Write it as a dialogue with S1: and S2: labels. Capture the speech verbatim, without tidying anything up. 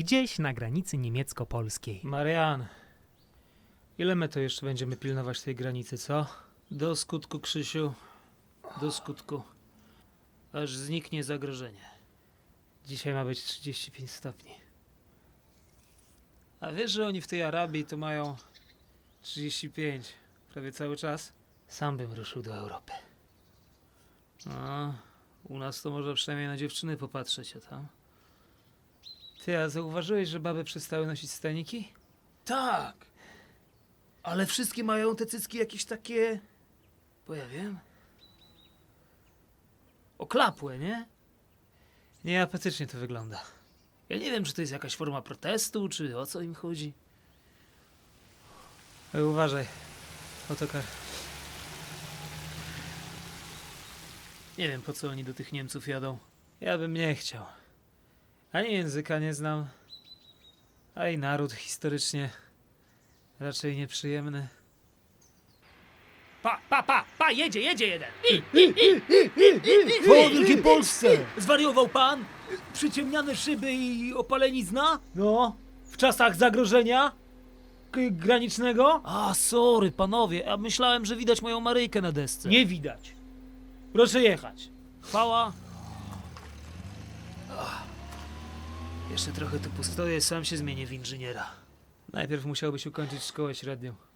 S1: gdzieś na granicy niemiecko-polskiej.
S2: Marian, ile my to jeszcze będziemy pilnować tej granicy, co? Do skutku, Krzysiu. Do skutku. Aż zniknie zagrożenie. Dzisiaj ma być trzydzieści pięć stopni. A wiesz, że oni w tej Arabii to mają trzydzieści pięć prawie cały czas? Sam bym ruszył do Europy. No, u nas to można przynajmniej na dziewczyny popatrzeć, a tam... Ty, a zauważyłeś, że baby przestały nosić staniki?
S3: Tak. Ale wszystkie mają te cycki jakieś takie...
S2: Bo ja wiem. Oklapłe, nie? Nieapetycznie to wygląda. Ja nie wiem, czy to jest jakaś forma protestu, czy o co im chodzi. Ej, uważaj. Autokar. Nie wiem, po co oni do tych Niemców jadą. Ja bym nie chciał. Ani języka nie znam, a i naród historycznie raczej nieprzyjemny.
S3: Pa, pa, pa, pa, jedzie, jedzie jeden. I,
S2: Po Wielkiej Polsce!
S3: zwariował pan? Przyciemniane szyby i opalenizna?
S2: No, w czasach zagrożenia k- granicznego
S3: A, sorry, panowie, a myślałem, że widać moją Maryjkę na desce.
S2: nie widać. Proszę jechać.
S3: Chwała.
S2: Jeszcze trochę tu postoję, sam się zmienię w inżyniera. Najpierw musiałbyś ukończyć szkołę średnią.